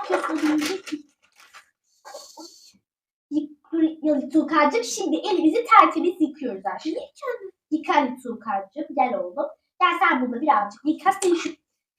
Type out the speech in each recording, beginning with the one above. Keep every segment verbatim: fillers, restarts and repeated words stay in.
Yıkıyoruz Tuğkan'cığım. Şimdi elimizi tertemiz yıkıyoruz aşkım. Yıkar Tuğkan'cığım. Gel oğlum. Gel sen burada birazcık yıka. Seni şu...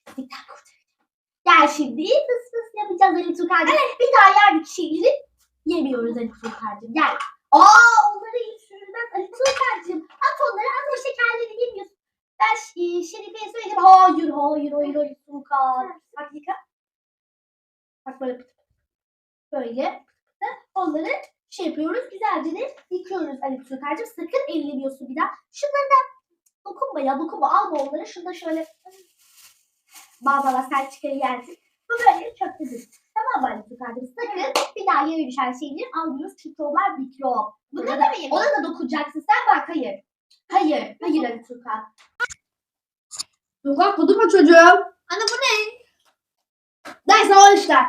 Gel şimdi fıs fıs yapacağız Ali Tuğkan'cığım. Bir daha yerdeki şeyleri yemiyoruz Ali Tuğkan'cığım. Gel. Aa onları hiç sürülmez Ali Tuğkan'cığım. At onları, at o şekerleri yemiyorsun. Ben e, Şerife'ye söyledim. Hayır hayır hayır Ali Tuğkan. Bak yıka. Bak böyle böyle onları şey yapıyoruz. Güzelce de yıkıyoruz Ali Tuğkan'cığım. Sakın ellemiyorsun bir daha. Şunları da dokunma ya dokunma. Alma onları. Şunu da şöyle bağlama sen çıkarı yersin. Bu böyle çok güzel. Tamam mı Ali Tuğkan'cığım? Sakın bir daha yere düşen şeyleri almıyoruz. Çünkü onlar mikrop. Buna da mı yemin? Ona da dokunacaksın. Sen bak hayır. Hayır. Hayır Ali Tuğkan. Tuğkan kudurma çocuğum. Anne bu ne? Neyse o işler.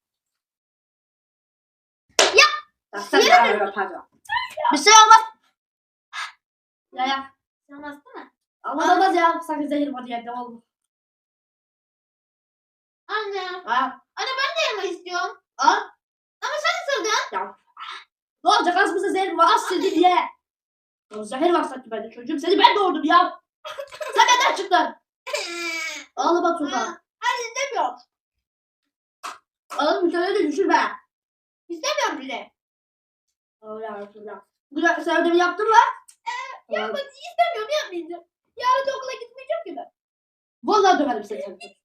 Ya sen de arada pardon. Bir şey olmaz. Ya ya. Olmaz değil mi? Olmaz olmaz ya. Sanki zehir var yerde olmaz. Anne. Ha. Anne ben de yemek istiyorum. Al. Ama sen ısırdın. Ya. Ne olacak az mısın zehir var? Az sildi diye. Ya zehir var sanki bende çocuğum. Seni ben doğurdum ya. Sen neden çıktın? Ağlama Tuğkan. Anne istemiyorum. Ağlama bir tane de düşürme. İstemiyorum bile. Öyle öyle. Güzel sen ödevi yaptın mı? Yapmak istemiyorum yapmayacağım. Yarın da okula gitmeyeceğim ki ben. Vallahi döverim seni.